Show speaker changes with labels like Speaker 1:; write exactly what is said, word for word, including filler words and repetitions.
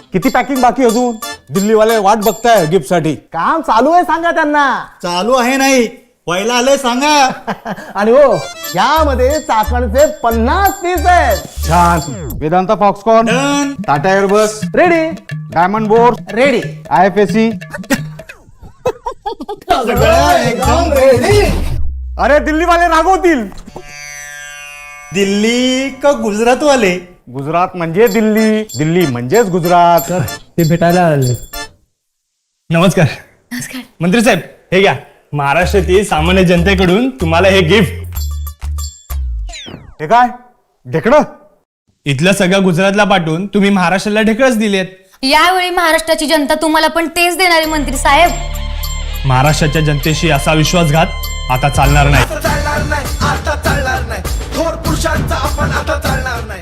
Speaker 1: किती पॅकिंग बाकी अजून? दिल्लीवाले वाट बघताय गिफ्ट साठी.
Speaker 2: काम चालू आहे सांगा त्यांना.
Speaker 3: चालू आहे नाही, पहिला आलंय सांगा.
Speaker 2: आणि हो यामध्ये चाकणचे पन्नास पीस आहेत.
Speaker 1: छान. Vedanta Foxconn,
Speaker 3: Done.
Speaker 1: Tata Airbus,
Speaker 2: ready
Speaker 1: diamond board,
Speaker 2: ready
Speaker 1: I F S C.
Speaker 3: एकदम रेडी.
Speaker 1: अरे दिल्लीवाले रागवतील.
Speaker 3: दिल्ली का गुजरात वाले?
Speaker 1: गुजरात म्हणजे दिल्ली, दिल्ली म्हणजेच गुजरात.
Speaker 2: ते भेटायला आले.
Speaker 4: नमस्कार. नमस्कार मंत्री साहेब, हे घ्या महाराष्ट्रातील सामान्य जनतेकडून तुम्हाला हे गिफ्ट.
Speaker 1: हे काय ढेकणं?
Speaker 4: इथलं सगळं गुजरातला पाठवून तुम्ही महाराष्ट्राला ढेकळच दिलेत.
Speaker 5: यावेळी महाराष्ट्राची जनता तुम्हाला पण तेच देणारे मंत्री साहेब.
Speaker 4: महाराष्ट्राच्या जनतेशी असा विश्वासघात आता चालणार नाही.
Speaker 6: चालणार नाही, आता चालणार नाही. थोर पुरुषांचा आपण आता चालणार नाही.